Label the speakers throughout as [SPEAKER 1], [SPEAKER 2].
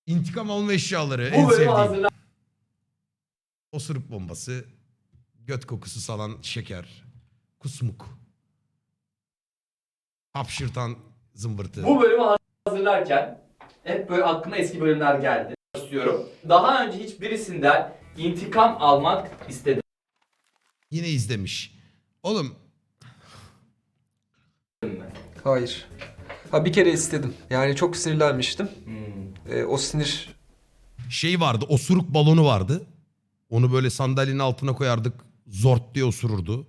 [SPEAKER 1] İntikam alma eşyaları. En
[SPEAKER 2] Bu bölümü
[SPEAKER 1] sevdiğim.
[SPEAKER 2] hazırlar.
[SPEAKER 1] Osuruk bombası. Göt kokusu salan şeker. Kusmuk. Hapşırtan zımbırtı.
[SPEAKER 2] Bu bölümü hazırlarken hep böyle aklıma eski bölümler geldi. İstiyorum. Daha önce hiçbirisinden intikam almak istedim
[SPEAKER 1] Yine izlemiş. Oğlum
[SPEAKER 2] mi?
[SPEAKER 3] Hayır. Ha bir kere istedim. Yani çok sinirlenmiştim. O sinir
[SPEAKER 1] şey vardı, osuruk balonu vardı. Onu böyle sandalyenin altına koyardık. Zort diye osururdu.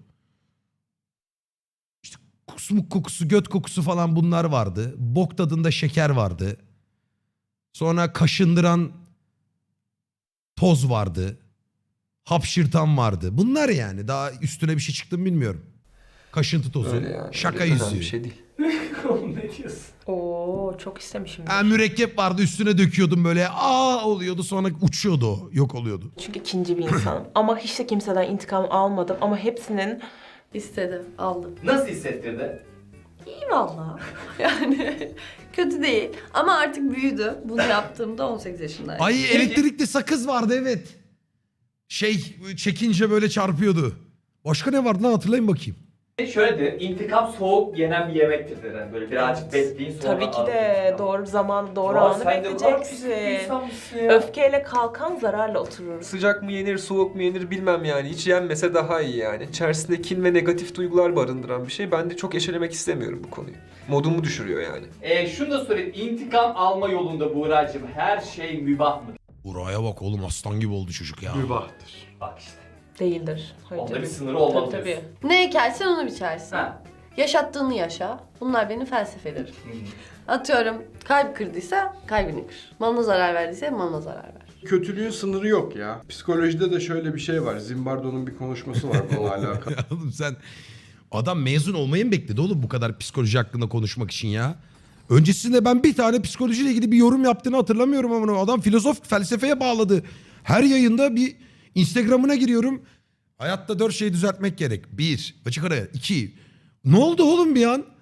[SPEAKER 1] İşte kusmuk kokusu, göt kokusu falan bunlar vardı. Bok tadında şeker vardı. Sonra kaşındıran toz vardı. Hapşırtan vardı. Bunlar yani. Daha üstüne bir şey çıktı mı bilmiyorum. Kaşıntı tozu.
[SPEAKER 3] öyle yani.
[SPEAKER 1] Şaka
[SPEAKER 3] Öyle önemli
[SPEAKER 1] yüzüğü.
[SPEAKER 3] bir şey değil.
[SPEAKER 2] Oğlum ne diyorsun?
[SPEAKER 4] Oo çok istemişim.
[SPEAKER 1] Ha, mürekkep vardı, üstüne döküyordum böyle. Aa oluyordu, sonra uçuyordu o. Yok oluyordu.
[SPEAKER 4] Çünkü ikinci bir insanım. Ama hiç de kimseden intikam almadım. Ama hepsinin
[SPEAKER 5] İstedim, aldım.
[SPEAKER 2] Nasıl hissettirdi?
[SPEAKER 5] İyi valla. Yani kötü değil. Ama artık büyüdü. Bunu yaptığımda 18 yaşındaydım.
[SPEAKER 1] Ay elektrikli sakız vardı, evet. Şey çekince böyle çarpıyordu. Başka ne vardı lan, hatırlayın bakayım.
[SPEAKER 2] Şöyledir, intikam soğuk yenen bir yemektir. Yani böyle birazcık bekleyin sonra
[SPEAKER 4] tabii ki de doğru zaman, doğru
[SPEAKER 2] Ya
[SPEAKER 4] anı
[SPEAKER 2] sen de bu kadar pis bir
[SPEAKER 4] bekleyeceksin.
[SPEAKER 2] insanmışsın ya.
[SPEAKER 4] Öfkeyle kalkan zararla oturur.
[SPEAKER 3] Sıcak mı yenir, soğuk mu yenir bilmem yani. Hiç yenmese daha iyi yani. İçerisinde kin ve negatif duygular barındıran bir şey. Ben de çok eşelemek istemiyorum bu konuyu. Modumu düşürüyor yani.
[SPEAKER 2] Şunu da sorayım, intikam alma yolunda Buğra'cığım her şey mübah mı?
[SPEAKER 1] Buraya bak oğlum, aslan gibi oldu çocuk ya.
[SPEAKER 6] Mübahtır.
[SPEAKER 2] Bak işte.
[SPEAKER 4] Değildir. Hayır,
[SPEAKER 2] Onda
[SPEAKER 4] tabii.
[SPEAKER 2] bir sınırı olmalı
[SPEAKER 4] Tabii,
[SPEAKER 2] diyorsun.
[SPEAKER 5] Ne ekersen onu biçersin.
[SPEAKER 2] Ha.
[SPEAKER 5] Yaşattığını yaşa. Bunlar benim felsefelerim. Atıyorum kalp kırdıysa kalbini kır. Malına zarar verdiyse malına zarar ver.
[SPEAKER 6] Kötülüğün sınırı yok ya. Psikolojide de şöyle bir şey var. Zimbardo'nun bir konuşması var bununla alakalı.
[SPEAKER 1] Ya oğlum sen, adam mezun olmayı mı bekledi oğlum bu kadar psikoloji hakkında konuşmak için ya? Öncesinde ben bir tane psikolojiyle ilgili bir yorum yaptığını hatırlamıyorum ama adam filozof felsefeye bağladı. Her yayında bir Instagram'ına giriyorum. Hayatta 4 şey düzeltmek gerek. 1. Açık araya. 2. Ne oldu oğlum bir an?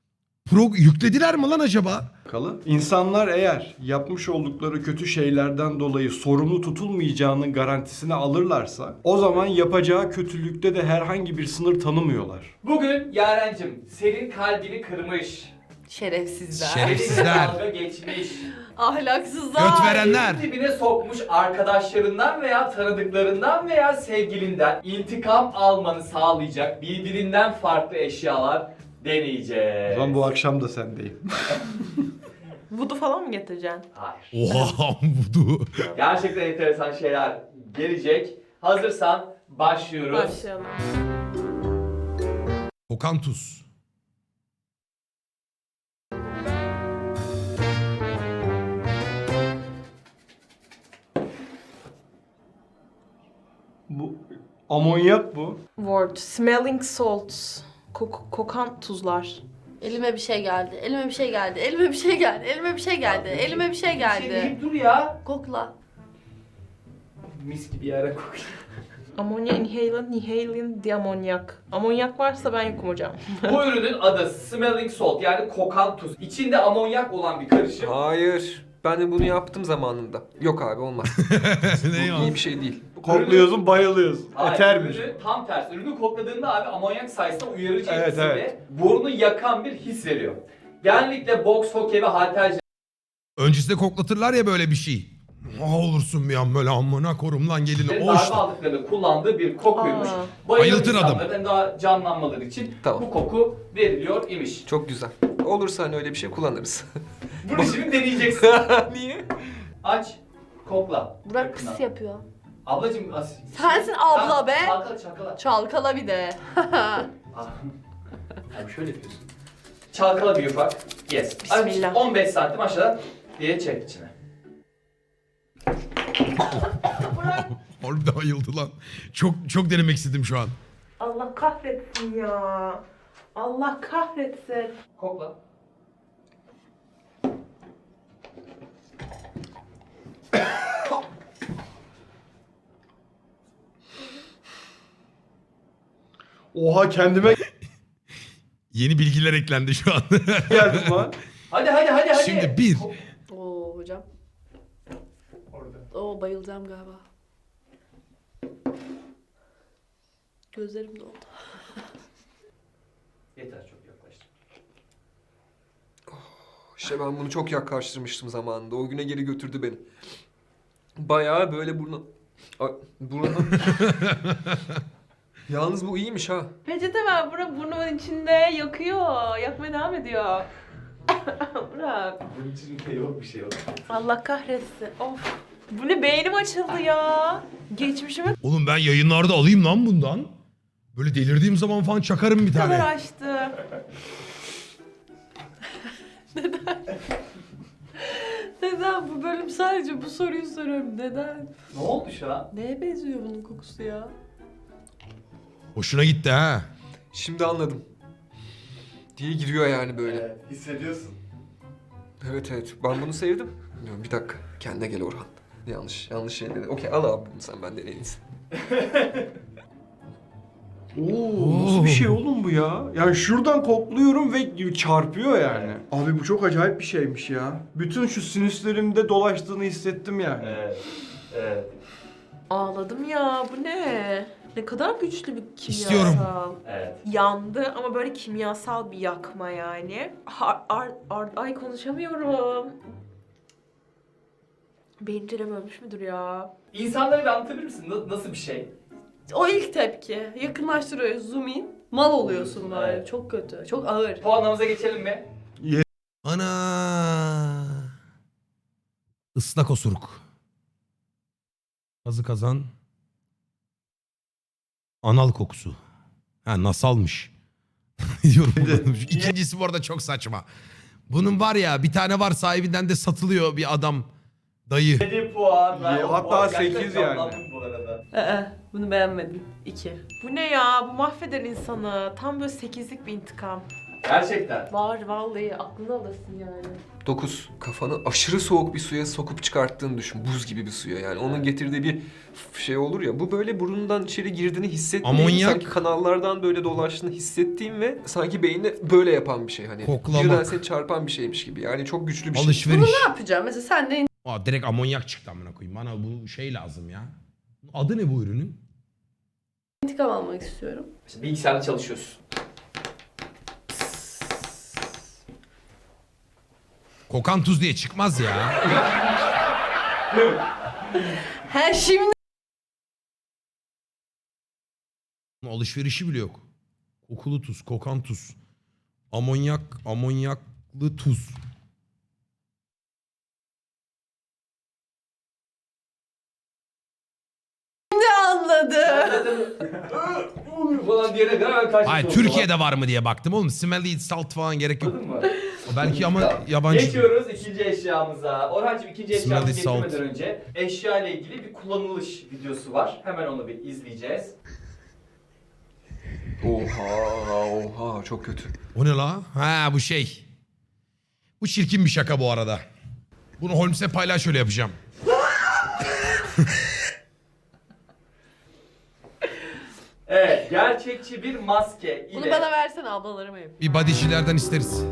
[SPEAKER 1] Yüklediler mi lan acaba?
[SPEAKER 6] İnsanlar eğer yapmış oldukları kötü şeylerden dolayı sorumlu tutulmayacağının garantisini alırlarsa o zaman yapacağı kötülükte de herhangi bir sınır tanımıyorlar.
[SPEAKER 2] Bugün Yaren'cim senin kalbini kırmış.
[SPEAKER 5] Şerefsizler.
[SPEAKER 1] Şerefsizler.
[SPEAKER 2] Dalga geçmiş.
[SPEAKER 5] Ahlaksızlar.
[SPEAKER 1] Göt verenler.
[SPEAKER 2] Yerin dibine sokmuş arkadaşlarından veya tanıdıklarından veya sevgilinden intikam almanı sağlayacak birbirinden farklı eşyalar deneyeceğiz.
[SPEAKER 6] O zaman bu akşam da sendeyim.
[SPEAKER 4] Vudu falan mı getireceksin?
[SPEAKER 2] Hayır.
[SPEAKER 1] Oha budu.
[SPEAKER 2] Gerçekten enteresan şeyler gelecek. Hazırsan başlıyoruz.
[SPEAKER 5] Başlayalım.
[SPEAKER 1] Kokan tuz.
[SPEAKER 6] Bu amonyak bu.
[SPEAKER 4] Word. Smelling salts. Kokan tuzlar.
[SPEAKER 5] Elime bir şey geldi. Elime bir şey geldi. Elime bir şey geldi. Elime bir şey geldi. Elime bir şey geldi.
[SPEAKER 2] deyip dur ya.
[SPEAKER 5] Kokla.
[SPEAKER 2] Mis gibi yere kokuyor.
[SPEAKER 4] Ammonia inhalant diamonyak. Amonyak varsa ben yokum hocam.
[SPEAKER 2] Bu ürünün adı smelling salt yani kokan tuz. İçinde amonyak olan bir karışım.
[SPEAKER 3] Hayır. Ben de bunu yaptım zamanında. Yok abi olmaz.
[SPEAKER 1] Ne
[SPEAKER 3] Bu iyi bir şey değil.
[SPEAKER 6] Kokluyorsun, bayılıyorsun.
[SPEAKER 2] Hayır,
[SPEAKER 6] Etermiş.
[SPEAKER 2] ürünü tam tersi. Ürünü kokladığında abi amonyak sayesinde uyarıcı
[SPEAKER 6] Evet,
[SPEAKER 2] etkisi
[SPEAKER 6] evet.
[SPEAKER 2] ve burnu yakan bir his veriyor. Genellikle boks, hokey ve halterciler
[SPEAKER 1] Öncesinde koklatırlar ya böyle bir şey. Ne olursun bir an böyle amına korum lan gelin. O
[SPEAKER 2] darbe
[SPEAKER 1] işte.
[SPEAKER 2] aldıklarında kullandığı bir kokuymuş.
[SPEAKER 4] Aa.
[SPEAKER 2] Bayılan
[SPEAKER 1] Bayıltır adam.
[SPEAKER 2] insanların daha canlanmaları için
[SPEAKER 3] Tamam.
[SPEAKER 2] bu koku veriliyor imiş.
[SPEAKER 3] Çok güzel. Olursa hani öyle bir şey kullanırız.
[SPEAKER 2] Bunu şimdi deneyeceksin.
[SPEAKER 3] Niye?
[SPEAKER 2] Aç, kokla.
[SPEAKER 5] Burak
[SPEAKER 2] Yakından.
[SPEAKER 5] pıs yapıyor.
[SPEAKER 2] Ablacım
[SPEAKER 5] Sensin abla be.
[SPEAKER 2] Çalkala çalkala.
[SPEAKER 5] Çalkala bir de.
[SPEAKER 2] Ah. Abi şöyle yapıyorsun. Çalkala bir ufak. Yes.
[SPEAKER 4] Bismillah.
[SPEAKER 2] 15 santim aşağıdan diye çek içine.
[SPEAKER 1] Harbiden ayıldı lan. Çok denemek istedim şu an.
[SPEAKER 4] Allah kahretsin ya. Allah kahretsin.
[SPEAKER 2] Kokla.
[SPEAKER 6] Oha kendime
[SPEAKER 1] Yeni bilgiler eklendi şu an.
[SPEAKER 6] geldim lan.
[SPEAKER 2] Hadi.
[SPEAKER 1] Şimdi bir.
[SPEAKER 5] Oo hocam. Oo, bayılacağım galiba. Gözlerim doldu.
[SPEAKER 2] Yeter, çok yaklaştım.
[SPEAKER 3] İşte ben bunu çok yaklaştırmıştım zamanında. O güne geri götürdü beni. Bayağı böyle burnu... Yalnız bu iyiymiş ha.
[SPEAKER 4] Peçete ver Burak, burnumun içinde yakıyor. Yakmaya devam ediyor. Burak.
[SPEAKER 2] Bunun içinde yok bir şey yok.
[SPEAKER 4] Allah kahretsin. Of. Bu ne, beynim açıldı ya. Geçmişime
[SPEAKER 1] Oğlum ben yayınlarda alayım lan bundan. Böyle delirdiğim zaman falan çakarım bir
[SPEAKER 4] kadar
[SPEAKER 1] tane.
[SPEAKER 4] açtı.
[SPEAKER 5] Neden? Bu bölüm sadece bu soruyu soruyorum. Neden?
[SPEAKER 2] Ne oldu şu an?
[SPEAKER 5] Neye benziyor bunun kokusu ya?
[SPEAKER 1] Hoşuna gitti ha.
[SPEAKER 3] Şimdi anladım. Diye giriyor yani böyle.
[SPEAKER 2] Evet, hissediyorsun.
[SPEAKER 3] Evet evet. Ben bunu sevdim. Diyorum, bir dakika. Kendine gel Orhan. Yanlış şey dedi. Okey, al abi bunu sen, benden en iyisi.
[SPEAKER 6] Oo, nasıl bir şey oğlum bu ya? Yani şuradan kokluyorum ve çarpıyor yani. Abi bu çok acayip bir şeymiş ya. Bütün şu sinüslerimde dolaştığını hissettim yani.
[SPEAKER 2] Evet. Evet.
[SPEAKER 4] Ağladım ya, bu ne? Ne kadar güçlü bir kimyasal.
[SPEAKER 1] İstiyorum.
[SPEAKER 2] Evet.
[SPEAKER 4] Yandı ama böyle kimyasal bir yakma yani. Ay konuşamıyorum. Bencilem ölmüş müdür ya?
[SPEAKER 2] İnsanlara bir anlatabilir misin? Nasıl bir şey?
[SPEAKER 5] O ilk tepki. Yakınlaştırıyor, zoom in. Mal oluyorsun böyle.
[SPEAKER 2] Evet.
[SPEAKER 5] Çok kötü. Çok ağır.
[SPEAKER 2] Puanlamamıza geçelim mi?
[SPEAKER 1] Ana. Islak osuruk. Kazı kazan. Anal kokusu. Ha, nasalmış. Diyorum. İkincisi bu arada çok saçma. Bunun var ya, bir tane var, sahibinden de satılıyor bir adam. Dayı.
[SPEAKER 2] 7 puan. Ben o
[SPEAKER 6] Hatta
[SPEAKER 2] puan gerçekten
[SPEAKER 6] 8 yani.
[SPEAKER 2] canlandım bu arada.
[SPEAKER 5] Bunu beğenmedim. 2.
[SPEAKER 4] Bu ne ya? Bu mahveder insanı. Tam böyle 8'lik bir intikam.
[SPEAKER 2] Gerçekten.
[SPEAKER 5] Var vallahi, aklını alırsın yani.
[SPEAKER 3] 9. Kafanı aşırı soğuk bir suya sokup çıkarttığını düşün. Buz gibi bir suya yani. Onun getirdiği bir şey olur ya. Bu böyle burnundan içeri girdiğini hissettiğin,
[SPEAKER 1] Amonyak.
[SPEAKER 3] sanki kanallardan böyle dolaştığını hissettiğin ve sanki beynine böyle yapan bir şey hani.
[SPEAKER 1] Koklamak.
[SPEAKER 3] Birden seni çarpan bir şeymiş gibi. Yani çok güçlü bir şey.
[SPEAKER 1] Alışveriş.
[SPEAKER 5] Ne yapacağım? Mesela sen de
[SPEAKER 1] Aa, direkt amonyak çıktı amına koyayım. Bana bu şey lazım ya. Adı ne bu ürünün?
[SPEAKER 5] intikam almak istiyorum.
[SPEAKER 2] İşte bilgisayarda çalışıyorsun.
[SPEAKER 1] Kokan tuz diye çıkmaz ya.
[SPEAKER 5] He şimdi
[SPEAKER 1] Alışverişi bile yok. Kokulu tuz, kokan tuz. Amonyak, amonyaklı tuz.
[SPEAKER 5] anladım.
[SPEAKER 2] falan diyene kadar hemen karşı
[SPEAKER 1] Hayır, Türkiye'de var mı diye baktım oğlum. Smelly salt falan gerek yok.
[SPEAKER 2] Anladın mı?
[SPEAKER 1] Belki ama
[SPEAKER 2] Tamam.
[SPEAKER 1] yabancı.
[SPEAKER 2] Geçiyoruz ikinci eşyamıza. Orhancığım, ikinci eşyamızı
[SPEAKER 1] Smelly salt.
[SPEAKER 2] getirmeden önce eşya ile ilgili bir kullanılış videosu var. Hemen onu bir izleyeceğiz.
[SPEAKER 3] Oha çok kötü.
[SPEAKER 1] O ne la? Ha, bu şey. Bu çirkin bir şaka bu arada. Bunu Holmes'e paylaş, öyle yapacağım.
[SPEAKER 2] Evet, gerçekçi bir maske ile...
[SPEAKER 5] Bunu bana versene, ablalarıma yapayım.
[SPEAKER 1] Bir bodycilerden isteriz.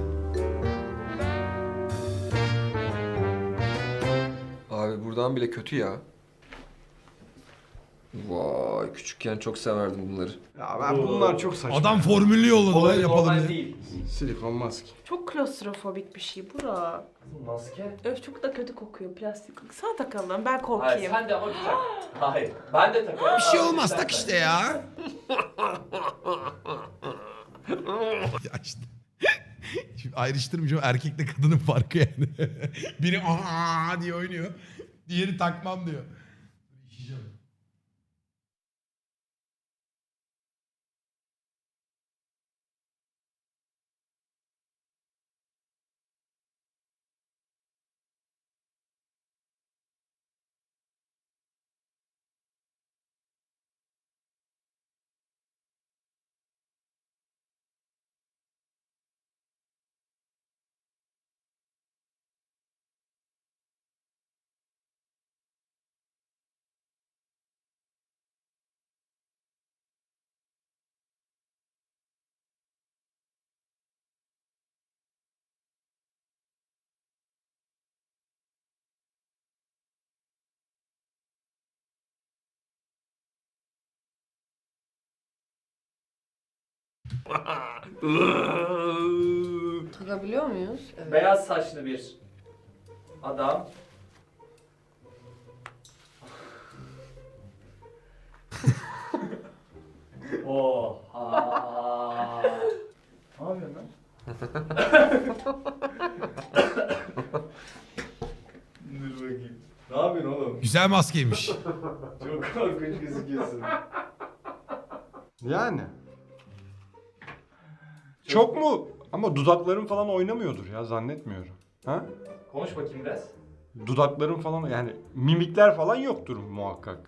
[SPEAKER 3] Abi buradan bile kötü ya. Vay, küçükken çok severdim bunları.
[SPEAKER 6] Ya ben bunlar çok saçma.
[SPEAKER 1] Adam formülü yolladı lan,
[SPEAKER 2] Olay
[SPEAKER 1] yapalım
[SPEAKER 2] normal
[SPEAKER 1] diye.
[SPEAKER 2] değil.
[SPEAKER 6] Silikon maske.
[SPEAKER 4] Çok klostrofobik bir şey Burak.
[SPEAKER 2] Maske?
[SPEAKER 4] Öf, çok da kötü kokuyor plastik. Sana takalım, ben
[SPEAKER 2] Hayır,
[SPEAKER 4] korkayım.
[SPEAKER 2] sen de ama bir tak. Hayır, ben de takarım.
[SPEAKER 1] Bir şey olmaz, tak işte ya. Ya işte. Şimdi ayrıştırmayacağım, erkekle kadının farkı yani. Biri aa diye oynuyor. Diğeri takmam diyor.
[SPEAKER 5] Takabiliyor muyuz? Evet.
[SPEAKER 2] Beyaz saçlı bir adam. Oha. Ne yapıyorsun lan? Dur bakayım. Ne yapıyorsun oğlum?
[SPEAKER 1] Güzel maskeymiş.
[SPEAKER 2] Çok korkunç gözüküyorsun.
[SPEAKER 6] Yani. Çok mu? Ama dudaklarım falan oynamıyordur ya, zannetmiyorum. Ha?
[SPEAKER 2] Konuş bakayım biraz.
[SPEAKER 6] Dudaklarım falan, yani mimikler falan yoktur muhakkak.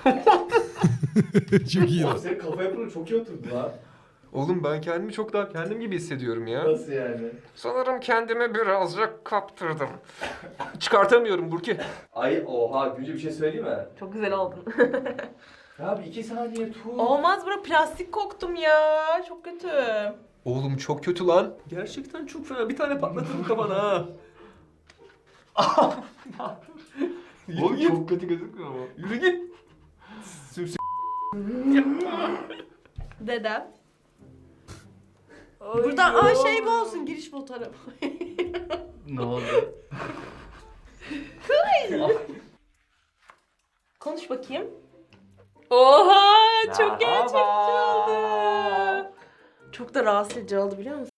[SPEAKER 1] Çok iyi.
[SPEAKER 2] Oğlum senin kafa yapını çok iyi oturdu lan.
[SPEAKER 3] Oğlum ben kendimi çok daha kendim gibi hissediyorum ya.
[SPEAKER 2] Nasıl yani?
[SPEAKER 3] Sanırım kendimi birazcık kaptırdım. Çıkartamıyorum Burki.
[SPEAKER 2] Ay oha, Gülce bir şey söyleyeyim mi?
[SPEAKER 4] Çok güzel oldun.
[SPEAKER 2] Ya bir 2 saniye tut.
[SPEAKER 4] Olmaz bura, plastik koktum ya. Çok kötü.
[SPEAKER 3] Oğlum çok kötü lan. Gerçekten çok fena. Bir tane patlatırım kafana ha.
[SPEAKER 2] Oğlum çok kötü gözükmüyor mu?
[SPEAKER 3] Yürü git.
[SPEAKER 5] Dedem. Buradan şey bu olsun, giriş fotoğrafı.
[SPEAKER 2] Ne oldu?
[SPEAKER 4] Konuş bakayım. Oha, çok gerçekçi oldu. Çok da rahatsız edici oldu, biliyor musun?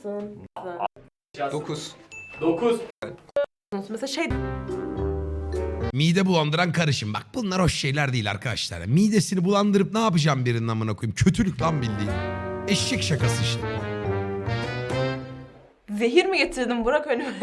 [SPEAKER 3] 9.
[SPEAKER 2] 9.
[SPEAKER 4] Mesela şey
[SPEAKER 1] Mide bulandıran karışım. Bak bunlar hoş şeyler değil arkadaşlar. Midesini bulandırıp ne yapacağım birinin amına koyayım? Kötülük lan bildiğin. Eşek şakası işte.
[SPEAKER 4] zehir mi getirdin Burak önüme?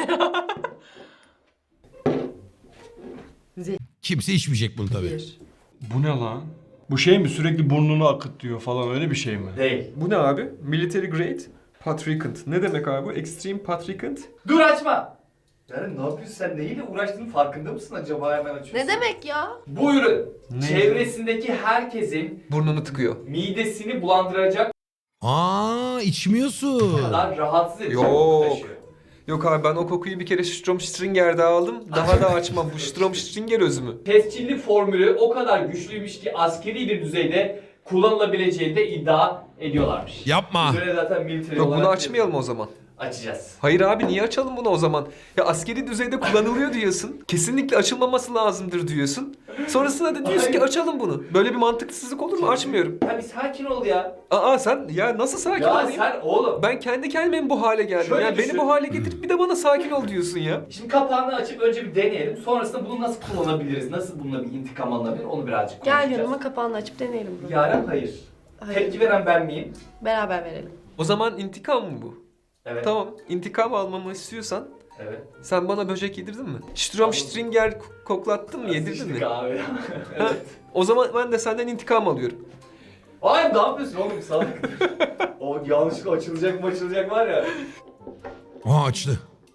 [SPEAKER 1] Kimse içmeyecek bunu tabii.
[SPEAKER 5] Bir.
[SPEAKER 6] Bu ne lan? Bu şey mi, sürekli burnunu akıtıyor falan, öyle bir şey mi?
[SPEAKER 2] Değil.
[SPEAKER 3] Bu ne abi? Military grade patricant. Ne demek abi bu? Extreme patricant.
[SPEAKER 2] Dur açma. Yani ne yapıyorsun sen, neyle uğraştığının farkında mısın acaba, hemen açıyorsun.
[SPEAKER 5] Ne demek ya?
[SPEAKER 2] Bu ürün
[SPEAKER 3] Ne?
[SPEAKER 2] çevresindeki herkesin
[SPEAKER 3] Burnunu tıkıyor.
[SPEAKER 2] midesini bulandıracak
[SPEAKER 1] içmiyorsun.
[SPEAKER 2] kadar rahatsız edici
[SPEAKER 3] Yok.
[SPEAKER 2] koku taşıyor.
[SPEAKER 3] Yok abi ben o kokuyu bir kere Stromstringer'de aldım. Daha da açmam. Bu Stromstringer özümü.
[SPEAKER 2] Tescilli formülü o kadar güçlüymüş ki askeri bir düzeyde kullanılabileceğini de iddia ediyorlarmış.
[SPEAKER 1] Yapma.
[SPEAKER 2] Üzerine zaten military
[SPEAKER 3] Yok
[SPEAKER 2] olarak
[SPEAKER 3] bunu açmayalım o zaman.
[SPEAKER 2] açacağız.
[SPEAKER 3] Hayır abi niye açalım bunu o zaman? Ya askeri düzeyde kullanılıyor diyorsun. Kesinlikle açılmaması lazımdır diyorsun. Sonrasında da diyorsun ki
[SPEAKER 2] Hayır.
[SPEAKER 3] açalım bunu. Böyle bir mantıksızlık olur mu? Açmıyorum.
[SPEAKER 2] Ya bir sakin ol ya.
[SPEAKER 3] Aa sen ya nasıl sakin
[SPEAKER 2] Ya
[SPEAKER 3] olayım?
[SPEAKER 2] sen oğlum.
[SPEAKER 3] Ben kendi kendime bu hale geldim.
[SPEAKER 2] Şöyle
[SPEAKER 3] Yani
[SPEAKER 2] düşün.
[SPEAKER 3] beni bu hale getirip bir de bana sakin ol diyorsun ya.
[SPEAKER 2] Şimdi kapağını açıp önce bir deneyelim. Sonrasında bunu nasıl kullanabiliriz? Nasıl bununla bir intikam alınabilir? Onu birazcık
[SPEAKER 5] Gel
[SPEAKER 2] konuşacağız.
[SPEAKER 5] yanıma, kapağını açıp deneyelim bunu.
[SPEAKER 2] Yaren hayır.
[SPEAKER 5] Hayır.
[SPEAKER 2] Tepki veren ben miyim?
[SPEAKER 5] Beraber verelim.
[SPEAKER 3] O zaman intikam mı bu?
[SPEAKER 2] Evet.
[SPEAKER 3] Tamam. İntikam almamı istiyorsan
[SPEAKER 2] Evet.
[SPEAKER 3] sen bana böcek yedirdin mi? Stromstringer koklattın mı? Yedirdin mi?
[SPEAKER 2] Sıçtık abi.
[SPEAKER 3] Ha?
[SPEAKER 2] Evet.
[SPEAKER 3] O zaman ben de senden intikam alıyorum.
[SPEAKER 2] Hayır, ne yapıyorsun oğlum, salak. O yanlışlıkla açılacak var ya.
[SPEAKER 1] Aa açtı.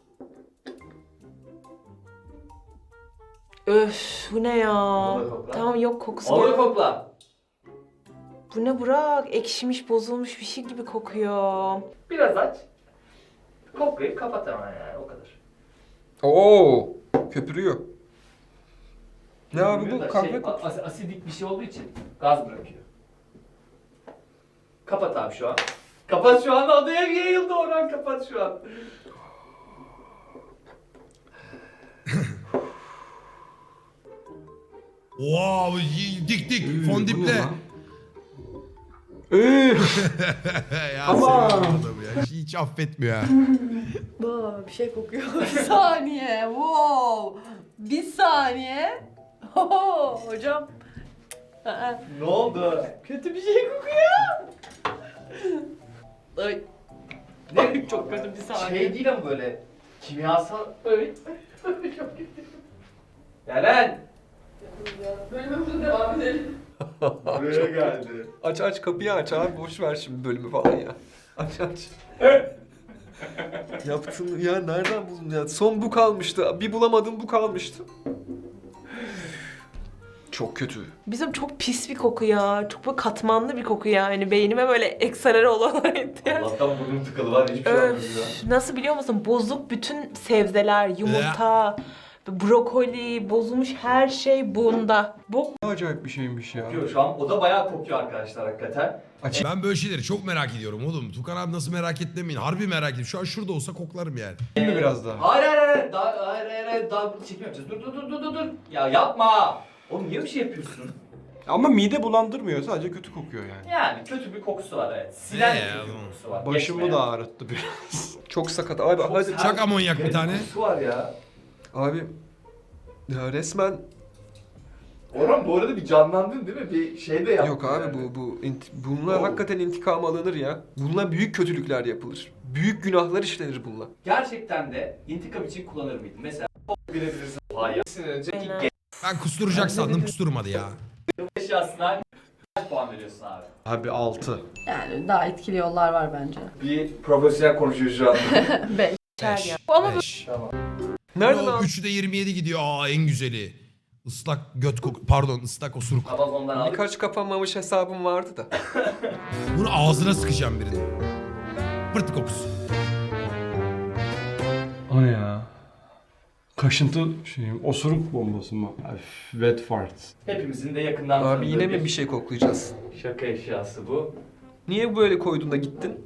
[SPEAKER 4] Öf, bu ne ya?
[SPEAKER 2] Onu da kokla.
[SPEAKER 4] Tamam, yok kokusu
[SPEAKER 2] Onu da
[SPEAKER 4] gel.
[SPEAKER 2] kokla.
[SPEAKER 4] Bu ne Burak? Ekşimiş, bozulmuş bir şey gibi kokuyor.
[SPEAKER 2] Biraz aç. Koklayıp kapat hemen, yani o kadar.
[SPEAKER 3] Oo, köpürüyor. Ne abi
[SPEAKER 2] Bilmiyorum
[SPEAKER 3] bu
[SPEAKER 2] da
[SPEAKER 3] kahve
[SPEAKER 2] şey,
[SPEAKER 3] kokusu.
[SPEAKER 2] asidik bir şey olduğu için gaz bırakıyor. Kapat abi şu an. Kapat şu an, odaya yayıldı oradan, kapat şu an.
[SPEAKER 1] Wow, dik dik fondiple. Ya
[SPEAKER 6] Ama-
[SPEAKER 1] seviyorum adamı ya. Hiç affetmiyor ha.
[SPEAKER 5] Bir şey kokuyor. Bir saniye. Wow. Bir saniye. Hocam. Aa,
[SPEAKER 2] Ne oldu?
[SPEAKER 5] kötü bir şey kokuyor. Ay.
[SPEAKER 2] Ne?
[SPEAKER 5] Çok kötü bir saniye.
[SPEAKER 2] Şey değil ama böyle kimyasal... Evet. Çok kötü. Yaren!
[SPEAKER 5] Bölümümüze devam edelim.
[SPEAKER 2] Buraya geldi.
[SPEAKER 3] Aç kapıyı aç abi boş ver şimdi bölümü falan ya. Aç. Yaptın ya, nereden buldun ya? Son bu kalmıştı. Bir bulamadım, bu kalmıştı. Çok kötü.
[SPEAKER 4] Bizim çok pis bir koku ya. Çok böyle katmanlı bir koku yani. Beynime böyle ekstraları olan etti.
[SPEAKER 2] Allah'tan burnum tıkalı var, hiçbir şey yapmıyor ya.
[SPEAKER 4] Öf, nasıl biliyor musun? Bozuk bütün sebzeler, yumurta, Brokoli, bozulmuş her şey bunda. Bok
[SPEAKER 6] Ne acayip bir şeymiş ya.
[SPEAKER 2] Kokuyor şu an. O da bayağı kokuyor arkadaşlar hakikaten.
[SPEAKER 1] Ben böyle şeyleri çok merak ediyorum oğlum. Tukan abi nasıl merak etmeyin. Harbi merak ediyorum. Şu an şurada olsa koklarım yani.
[SPEAKER 6] Değil mi biraz daha?
[SPEAKER 2] Hayır hayır hayır. Hayır. Daha çekim yapacağız. Dur. Ya yapma. Oğlum niye bir şey yapıyorsun?
[SPEAKER 6] Ama mide bulandırmıyor. Sadece kötü kokuyor yani.
[SPEAKER 2] Yani kötü bir kokusu var evet. Silen
[SPEAKER 1] Ne
[SPEAKER 2] bir
[SPEAKER 1] ya
[SPEAKER 2] kötü
[SPEAKER 1] bu?
[SPEAKER 2] kokusu var.
[SPEAKER 6] Başımı
[SPEAKER 2] Geçmeyen.
[SPEAKER 6] da ağrıttı biraz.
[SPEAKER 3] Çok sakat. Abi
[SPEAKER 2] Çok
[SPEAKER 3] hadi.
[SPEAKER 2] sert.
[SPEAKER 1] Çak amonyak bir tane.
[SPEAKER 2] Kokusu var ya.
[SPEAKER 3] Abi ya resmen
[SPEAKER 2] Orhan bu arada bir canlandın değil mi? Bir şey de yaptın.
[SPEAKER 3] yok abi
[SPEAKER 2] yani.
[SPEAKER 3] bunlar
[SPEAKER 2] Oo.
[SPEAKER 3] hakikaten intikam alınır ya. Bununla büyük kötülükler yapılır. Büyük günahlar işlenir bununla.
[SPEAKER 2] Gerçekten de intikam için kullanır mıydın? Mesela bilebilirsin. Hayır. Önceki
[SPEAKER 4] Aynen.
[SPEAKER 1] Ben kusturacak sandım kusturmadı ya.
[SPEAKER 2] eşyasına kaç puan veriyorsun abi?
[SPEAKER 6] Abi 6.
[SPEAKER 5] Yani daha etkili yollar var bence.
[SPEAKER 2] Bir profesyonel konuşuyor şu an.
[SPEAKER 5] 5.
[SPEAKER 4] içer
[SPEAKER 1] Beş.
[SPEAKER 4] ya. Ama
[SPEAKER 1] Beş.
[SPEAKER 2] Tamam.
[SPEAKER 3] Nereden
[SPEAKER 1] Yo,
[SPEAKER 3] aldın?
[SPEAKER 1] 3'ü de 27 gidiyor. Aa en güzeli. Islak göt koku. Pardon ıslak osuruk.
[SPEAKER 2] Amazon'dan aldık.
[SPEAKER 3] Birkaç kapanmamış hesabım vardı da.
[SPEAKER 1] Bunu ağzına sıkacağım birini. Pırt kokusu.
[SPEAKER 6] O ne ya? Kaşıntı osuruk bombası mı? Öf, wet fart.
[SPEAKER 2] Hepimizin de yakından
[SPEAKER 3] Abi
[SPEAKER 2] tanıdığı
[SPEAKER 3] yine mi bir şey koklayacağız?
[SPEAKER 2] şaka eşyası bu.
[SPEAKER 3] Niye böyle koydun da gittin?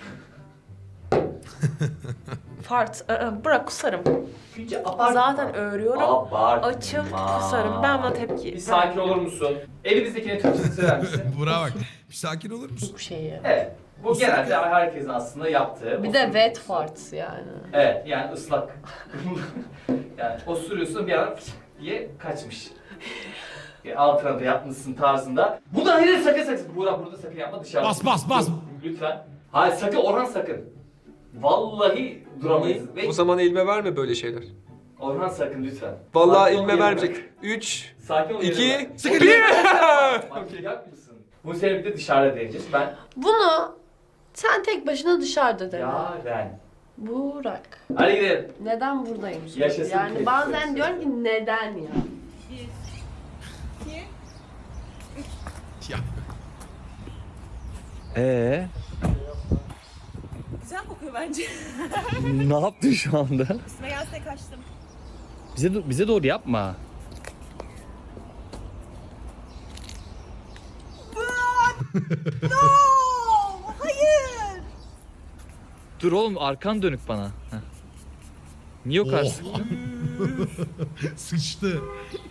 [SPEAKER 4] fart. Bırak kusarım.
[SPEAKER 2] Çünkü abartma.
[SPEAKER 4] Zaten örüyorum.
[SPEAKER 2] Abartma.
[SPEAKER 4] Açıp kusarım. Ben buna tepki.
[SPEAKER 2] Bir sakin olur musun? Elimizdekine Türkçesini söyler misin?
[SPEAKER 1] Buna bak. Bir sakin olur musun?
[SPEAKER 5] Bu şeyi.
[SPEAKER 2] Evet. Bu genelde herkesin aslında yaptığı.
[SPEAKER 5] Bir de wet farts yani.
[SPEAKER 2] Evet yani ıslak. Yani osuruyorsun bir an diye kaçmış. Altına da yapmışsın tarzında. Bu da hayır sakın. Burada sakın yapma dışarıda.
[SPEAKER 1] Bas.
[SPEAKER 2] Lütfen. Hayır sakın Orhan sakın. Vallahi duramayız. Ve
[SPEAKER 3] O zaman elime verme böyle şeyler.
[SPEAKER 2] Orhan sakın lütfen.
[SPEAKER 3] Vallahi
[SPEAKER 2] Sakin ol,
[SPEAKER 3] elime
[SPEAKER 2] yerine
[SPEAKER 3] vermeyecek.
[SPEAKER 2] bak.
[SPEAKER 3] 3,
[SPEAKER 2] Sakin ol.
[SPEAKER 3] 2,
[SPEAKER 2] yerine bak.
[SPEAKER 1] Sıkı
[SPEAKER 2] Manyak mısın? Bu sene bir de dışarıda deneyeceğiz. Ben
[SPEAKER 5] Bunu sen tek başına dışarıda dene.
[SPEAKER 2] Yaren.
[SPEAKER 5] Burak.
[SPEAKER 2] Hadi gidelim.
[SPEAKER 5] Neden buradayım?
[SPEAKER 2] Yaşasın
[SPEAKER 5] Yani
[SPEAKER 2] Kate
[SPEAKER 5] bazen
[SPEAKER 2] Prensesi.
[SPEAKER 5] diyorum ki neden ya?
[SPEAKER 1] Ya.
[SPEAKER 7] Güzel kokuyor bence.
[SPEAKER 8] Ne yaptın şu anda?
[SPEAKER 7] Üstüme gelse kaçtım.
[SPEAKER 8] Bize doğru yapma.
[SPEAKER 7] No! Hayır!
[SPEAKER 8] Dur oğlum arkan dönük bana. Heh. Niye yok artık?
[SPEAKER 1] Oh. Sıçtı.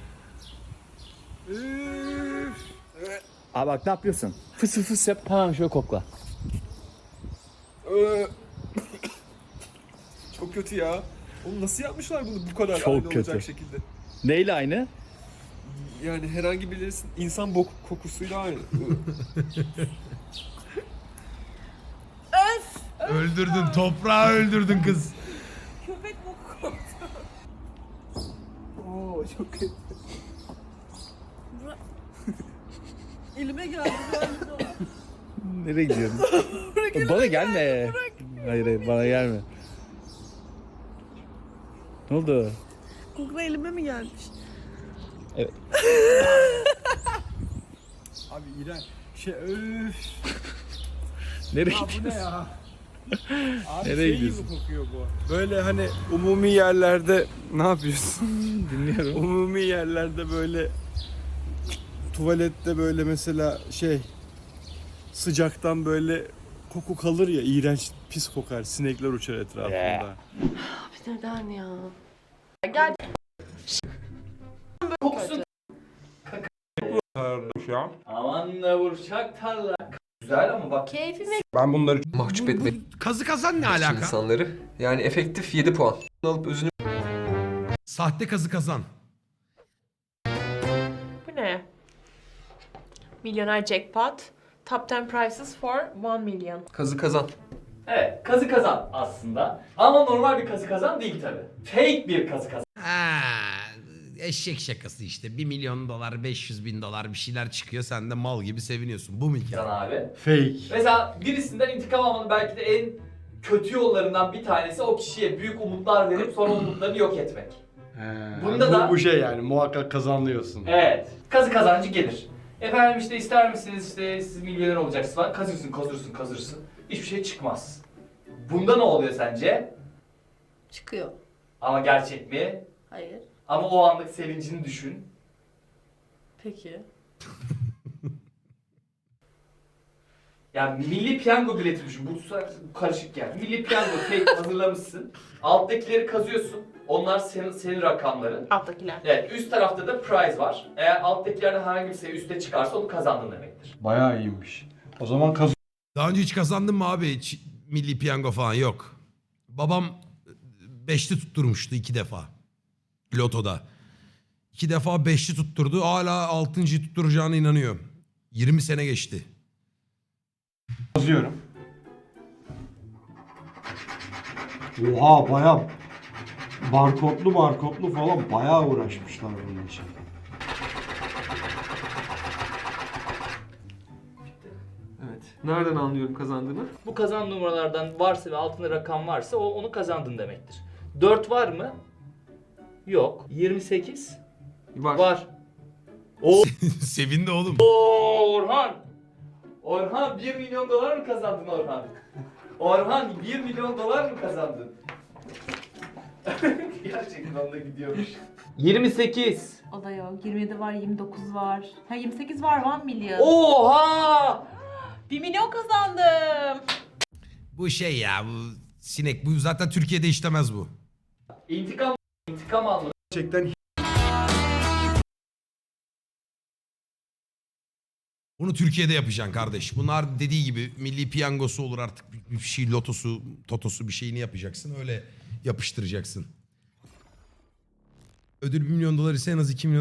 [SPEAKER 8] Abi bak ne yapıyorsun? Fıs fıs yap hemen şöyle kokla.
[SPEAKER 3] Çok kötü ya. Oğlum nasıl yapmışlar bunu bu kadar
[SPEAKER 8] Çok
[SPEAKER 3] aynı
[SPEAKER 8] kötü.
[SPEAKER 3] olacak şekilde?
[SPEAKER 8] Neyle aynı?
[SPEAKER 3] Yani herhangi birisinin insan kokusuyla aynı.
[SPEAKER 1] Öldürdün. Toprağı öldürdün kız.
[SPEAKER 7] Köpek boku koktu.
[SPEAKER 3] Oo çok kötü.
[SPEAKER 7] Elime geldi galiba.
[SPEAKER 8] Nereye gidiyorsun? Bana gelme. Hayır bana gelme. Ne oldu?
[SPEAKER 7] Koku elime mi gelmiş?
[SPEAKER 6] Abi iğrenç. Öf.
[SPEAKER 8] Nereye
[SPEAKER 6] Ya bu ne
[SPEAKER 8] gidiyorsun?
[SPEAKER 6] ya? Abi
[SPEAKER 8] Nereye
[SPEAKER 6] şey
[SPEAKER 8] gidiyorsun?
[SPEAKER 6] gibi kokuyor bu. Böyle hani umumi yerlerde ne yapıyorsun?
[SPEAKER 8] Dinliyorum.
[SPEAKER 6] Umumi yerlerde böyle tuvalette böyle mesela sıcaktan böyle koku kalır ya, iğrenç pis kokar, sinekler uçar etrafında.
[SPEAKER 8] Yeah.
[SPEAKER 5] Abi neden ya? Gel.
[SPEAKER 2] Kokusun. Aman da vuracak tarla. Güzel ama bak.
[SPEAKER 5] Keyfime
[SPEAKER 6] Ben bunları
[SPEAKER 3] Mahcup
[SPEAKER 1] Bu
[SPEAKER 3] etmek
[SPEAKER 1] kazı kazan ne
[SPEAKER 3] için
[SPEAKER 1] alaka?
[SPEAKER 3] insanları. Yani efektif 7 puan. Alıp özünü
[SPEAKER 1] Sahte kazı kazan.
[SPEAKER 4] Bu ne? Milyoner jackpot. Top 10 prices for 1 million.
[SPEAKER 3] kazı kazan.
[SPEAKER 2] Evet kazı kazan aslında. Ama normal bir kazı kazan değil tabi. Fake bir kazı kazan.
[SPEAKER 1] Ha, eşek şakası işte. $1 milyon, $500.000 bir şeyler çıkıyor. Sen de mal gibi seviniyorsun. Bu mu hikaye?
[SPEAKER 2] Abi.
[SPEAKER 6] fake.
[SPEAKER 2] Mesela birisinden intikam almanın belki de en kötü yollarından bir tanesi o kişiye büyük umutlar verip sonra umutlarını yok etmek. Bunda
[SPEAKER 6] bu,
[SPEAKER 2] da-
[SPEAKER 6] bu şey yani muhakkak kazanıyorsun.
[SPEAKER 2] Evet. Kazı kazancı gelir. Efendim işte ister misiniz işte siz milyoner olacaksınız falan. Kazırsın. Hiçbir şey çıkmaz. Bunda ne oluyor sence?
[SPEAKER 5] çıkıyor.
[SPEAKER 2] Ama gerçek mi?
[SPEAKER 5] Hayır.
[SPEAKER 2] Ama o anlık sevincini düşün.
[SPEAKER 5] Peki.
[SPEAKER 2] Yani milli piyango bileti düşün. Bu karışık yani. Milli piyango tek hazırlamışsın. Alttakileri kazıyorsun. Onlar senin rakamların.
[SPEAKER 4] Alttakiler.
[SPEAKER 2] Evet, üst tarafta da prize var. Eğer alttakilerden herhangi bir sayı üste çıkarsa onu kazandın demektir.
[SPEAKER 6] Bayağı iyiymiş. O zaman
[SPEAKER 1] Daha önce hiç kazandın mı abi? Hiç milli piyango falan yok. Babam 5'li tutturmuştu 2 defa. Lotoda. 2 defa 5'li tutturdu. Hala 6.'yı tutturacağına inanıyor. 20 sene geçti.
[SPEAKER 6] kazıyorum. Oha bayağı barkodlu falan bayağı uğraşmışlar bunun için.
[SPEAKER 3] Evet. Nereden anlıyorum kazandığını?
[SPEAKER 2] Bu kazan numaralardan varsa ve altında rakam varsa onu kazandın demektir. 4 var mı? Yok. 28?
[SPEAKER 3] Var.
[SPEAKER 2] Var.
[SPEAKER 1] Sevindi oğlum.
[SPEAKER 2] Oo Orhan! Orhan 1 milyon dolar mı kazandın Orhan? Orhan 1 milyon dolar mı kazandın? Gerçekten onda gidiyormuş. 28.
[SPEAKER 4] O da yok. 27 var, 29 var. Ha 28 var, 1 milyon.
[SPEAKER 2] Oha!
[SPEAKER 4] 1 milyon kazandım.
[SPEAKER 1] Bu şey ya bu sinek. Bu zaten Türkiye'de işlemez bu.
[SPEAKER 2] İntikam alma.
[SPEAKER 6] Gerçekten
[SPEAKER 1] Bunu Türkiye'de yapacaksın kardeş. Bunlar dediği gibi milli piyangosu olur artık bir şey lotosu, totosu bir şeyini yapacaksın. Öyle yapıştıracaksın. Ödül 1 milyon dolar ise en az 2 milyon